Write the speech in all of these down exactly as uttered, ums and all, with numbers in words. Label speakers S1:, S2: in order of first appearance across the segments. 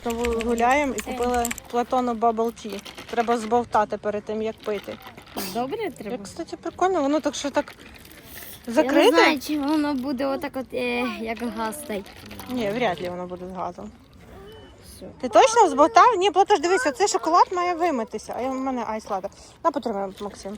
S1: Гуляємо і купили Платону Bubble Tea. Треба збовтати перед тим, як пити.
S2: Добре треба?
S1: Як, кстати, прикольно, воно так що так
S2: Я
S1: закрите.
S2: не знаю, чи воно буде отак от, е, як газ стоїть.
S1: Ні, вряд ли воно буде з газом. Ти точно збовтав? Ні, Платош, дивися, цей шоколад має вимитися, а я- в мене айс-латте. На, потримай, Максим.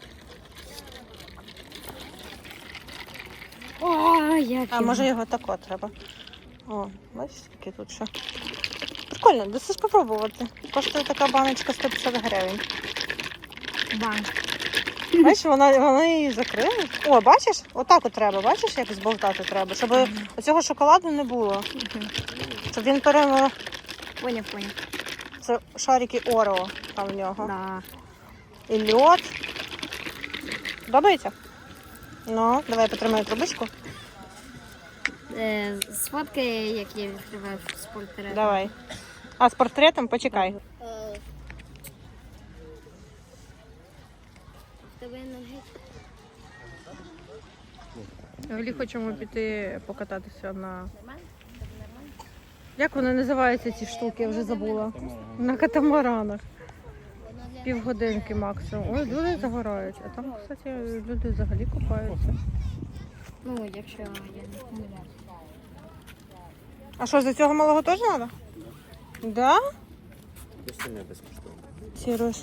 S2: О, як
S1: А може його тако треба. О, бачиш, скільки тут ще. Прикольно, даси спробувати. Коштує така баночка сто п'ятдесят гривень.
S2: банк.
S1: Бачиш, вона, вони її закрили. О, бачиш? Отак от треба, бачиш, як збовтати треба, щоб mm-hmm. оцього шоколаду не було. Mm-hmm. Щоб він перемо...
S2: Поняв, поняв.
S1: Це шарики Орео там в нього.
S2: Да.
S1: І льод. Подобається? Ну, давай потримаю трубочку.
S2: Е, сфоткай, як я відкриваю з портретом.
S1: Давай. А з портретом почекай. Взагалі хочемо піти покататися на... Як вони називаються ці штуки, я вже забула. На катамаранах. Півгодинки максимум. Ой, люди загорають. А там, кстати, люди взагалі купаються.
S2: Ну, якщо я не помиляюсь.
S1: А що, за цього малого теж треба? Да?
S3: Це не безкоштовно.
S1: Сереж.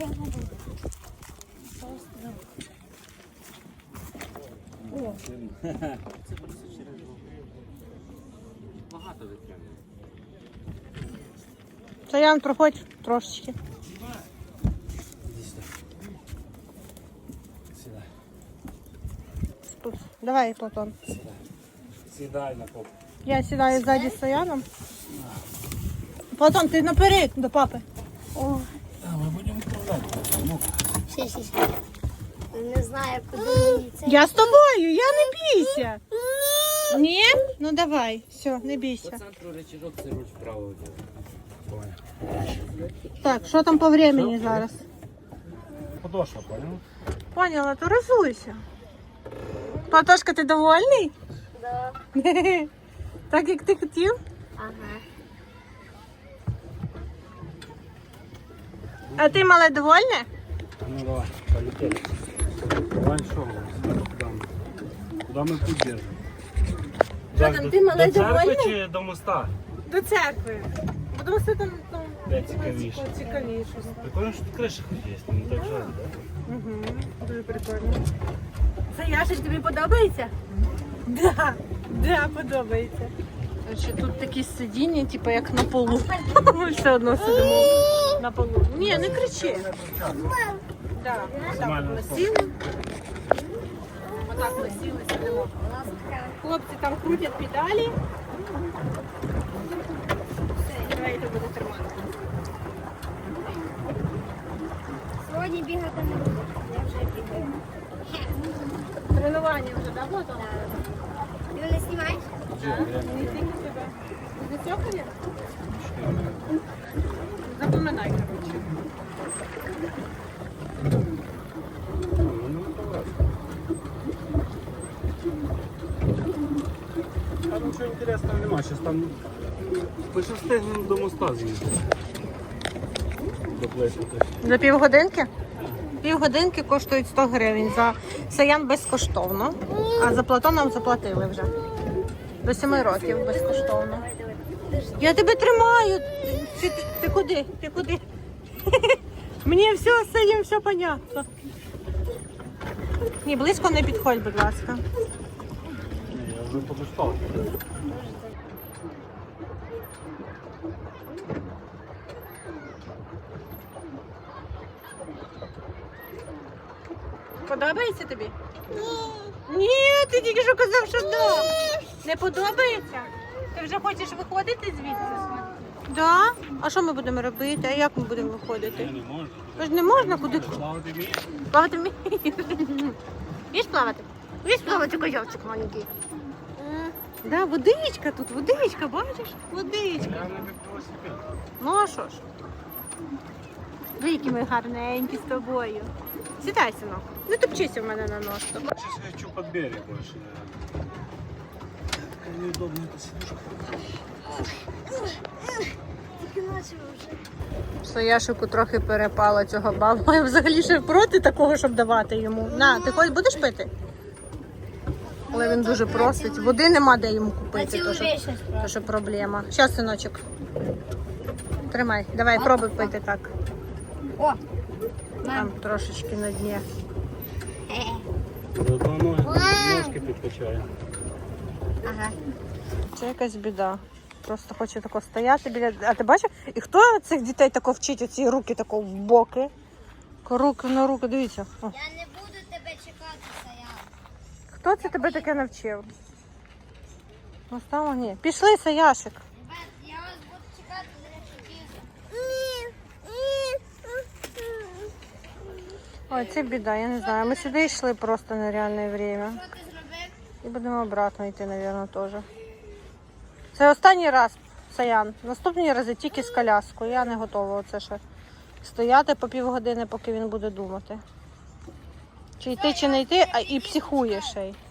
S3: О. Це просто через багато витримує.
S1: Саян, проходь трошечки.
S3: Іди сюди. Сідай.
S1: Тут. Давай, Платон.
S3: Сідай. Сідай на попу.
S1: Я сідаю ззаді з Саяном. Платон, ти наперед до папи.
S2: О,
S3: А, ми будемо відправляти. Ну,
S2: ще, ще, ще. Не знаю, куди мені це.
S1: Я з тобою, я не бійся. Ні? Ну давай, все, не
S3: по
S1: бійся.
S3: центру речірок це руль вправо. Понял.
S1: Так, що там по времени зараз?
S3: Подошва, понял?
S1: Поняла, то розуйся. Платошка, ти довольний?
S2: Да.
S1: Так, як ти хотів?
S2: Ага.
S1: А ти, мале, довольне?
S3: Ну давай, полетели. Давай что? Куда мы? Куда мы путь держим?
S1: Що там, ти, мале,
S3: до церкви
S1: довольний?
S3: чи до моста?
S1: До церкви. Будемо все там, там
S3: Де цікавіше?
S1: цікавіше.
S3: Прикольно, що тут криша хоч є, не так жаль, да?
S1: Угу, дуже прикольно. Це Яша, тобі подобається? Да, да, подобається. Короче, тут такі сидіння, типу як на полу. Ми все одно сидимо на полу. Ні, не кричи. Да, отак ми сіли. Отак ми сіли, сидимо. Хлопці там крутять педалі. Все, давай я буду тримати.
S2: Сьогодні бігати не буду. Я вже бігаю.
S1: Тренування вже давно там?
S2: Ти мене знімаєш?
S1: Не тільки тебе. Ти зацьокані? Запоминай, коротше.
S3: Там нічого інтересного немає, зараз там пише встигнемо до моста з'їздити. До плечі.
S1: За півгодинки? Півгодинки коштують сто гривень. За Саян безкоштовно, а за Платоном заплатили вже. До семи років безкоштовно. Я тебе тримаю. Ти, ти, ти куди? Ти куди? Мені все, з цим все понятно. Ні, близько не підходь, будь ласка.
S3: Ні, я вже подоспав.
S1: Подобається тобі? Ні. Ні, ти тільки що казав, що да. Не подобається? Ти вже хочеш виходити звідси? Да? А що ми будемо робити? А як ми будемо виходити?
S3: Не можна.
S1: Ви ж не можна куди?
S3: Плавати вмієш?
S1: Плавати вмієш? Вмієш плавати? Вмієш плавати, козявчик маленький? Да, водичка тут, водичка, бачиш? Водичка.
S3: Я не велосипед.
S1: Ну а що ж? Ви які ми гарненькі з тобою. Сідай, синок. Не топчися в мене на нос.
S3: Сейчас я хочу под берег больше, наверное. Такая неудобная эта сидушка.
S2: бачимо вже.
S1: Саяшику трохи перепало цього баба. Я взагалі ще проти такого, щоб давати йому. На, ти хоч будеш пити? Але він дуже просить. Води нема де йому купити. То що, то що проблема. Щас, синочок. Тримай, давай, пробуй пити так.
S2: О!
S1: Там трошечки на дні.
S3: Зато ноги, ножки підкачає.
S2: Ага.
S1: Це якась біда. Просто хоче тако стояти біля. А ти бачиш? І хто цих дітей тако вчить оці руки тако в боки? Руки на руки, дивіться. О.
S2: Я не буду тебе чекати, Саян.
S1: Хто це тебе таке навчив? Ну, стало ні. Пішли, Саяшик.
S2: Ребят, я вас буду чекати за речі.
S1: Ой, це біда, я не знаю. Ми сюди йшли просто нереальне время.
S2: Що ти зробив?
S1: І будемо обратно йти, мабуть, теж. Це останній раз, Саян. Наступні рази тільки з коляскою. Я не готова оце ще стояти по півгодини, поки він буде думати. Чи йти, чи не йти, а і психує ще й.